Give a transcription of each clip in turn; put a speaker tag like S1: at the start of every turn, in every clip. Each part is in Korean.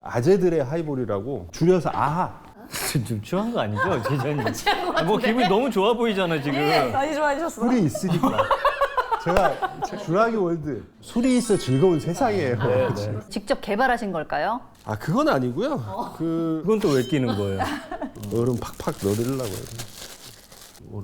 S1: 아재들의 하이볼이라고 줄여서 아하.
S2: 좀 취한 거 아니죠, 제자님?
S3: 취한 것
S2: 뭐
S3: 같은데.
S2: 기분이 너무 좋아 보이잖아 지금.
S4: 많이 좋아하셨어.
S1: 술이 있으니까. 제가 주라기 월드 술이 있어 즐거운 세상이에요.
S3: 직접 개발하신 걸까요?
S1: 아 그건 아니고요. 그
S2: 그건 또 왜 끼는 거예요?
S1: 얼음 팍팍 넣어드리려고 해요. 얼음.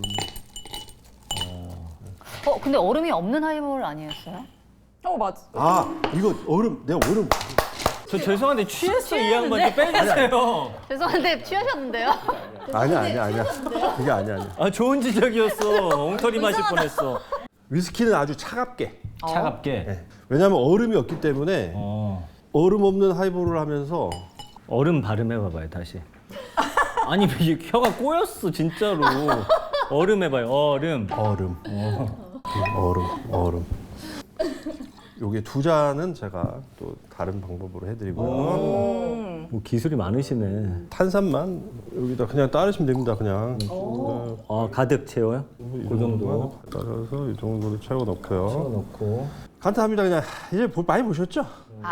S3: 근데 얼음이 없는 하이볼 아니었어요?
S4: 맞아.
S1: 아 이거 얼음 내가 얼음.
S2: 저 죄송한데 취했어 이 양반 좀 빼주세요.
S3: 죄송한데 취하셨는데요?
S1: 아니야. 그게 아니야.
S2: 아 좋은 지적이었어. 엉터리 마실 뻔했어.
S1: 위스키는 아주 차갑게.
S2: 차갑게.
S1: 네. 왜냐하면 얼음이 없기 때문에 얼음 없는 하이볼을 하면서
S2: 얼음 발음해봐봐요 다시. 아니 이게 혀가 꼬였어 진짜로. 얼음 해봐요. 얼음.
S1: 얼음. 요게 두 잔은 제가 또 다른 방법으로 해드리고요.
S2: 뭐 기술이 많으시네.
S1: 탄산만 여기다 그냥 따르시면 됩니다. 그냥.
S2: 가득 채워요? 그 정도.
S1: 따라서 이 정도로 채워 넣고요.
S2: 넣고.
S1: 간단합니다. 그냥 이제 많이 보셨죠?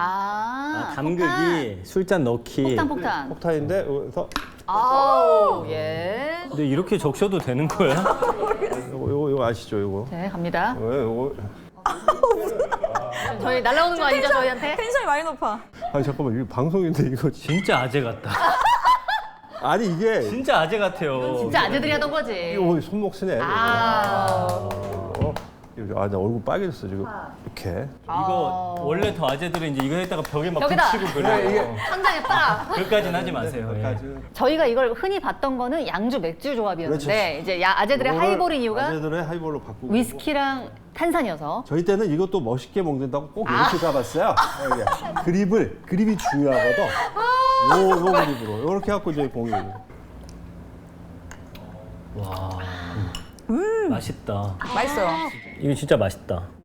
S2: 담그기, 술잔 넣기.
S3: 폭탄.
S1: 폭탄인데 여기서
S3: 아우, 예.
S2: 근데 이렇게 적셔도 되는 거야?
S1: 요거 아시죠? 요거.
S3: 네, 갑니다.
S1: 요거.
S3: 저희 날라오는 거 아니죠, 저희한테?
S4: 텐션이 많이 높아.
S1: 아니 잠깐만 이거 방송인데 이거
S2: 진짜 아재 같다.
S1: 아니 이게
S2: 진짜 아재 같아요.
S3: 진짜 아재들이 하던 거지.
S1: 이거 손목 쓰네.
S3: 아,
S1: 나 얼굴 빨개졌어 지금. 이렇게.
S2: 이거 원래 더 아재들은 이제 이거 했다가 벽에 막
S3: 벽에다.
S2: 붙이고 그래요.
S3: 상장에 딱.
S2: 그까진 하지 마세요. 예.
S1: 여기까지.
S3: 저희가 이걸 흔히 봤던 거는 양주 맥주 조합이었는데 이제 아재들의
S1: 이거를
S3: 하이볼인 이유가
S1: 아재들의 하이볼로 바꾸고.
S3: 위스키랑 탄산이어서.
S1: 저희 때는 이것도 멋있게 먹는다고 꼭 이렇게 잡았어요. 그립이 중요하거든. 요 그립으로 이렇게 갖고 이제 공유.
S2: 와. 맛있다.
S4: 맛있어요.
S2: 이거 진짜 맛있다.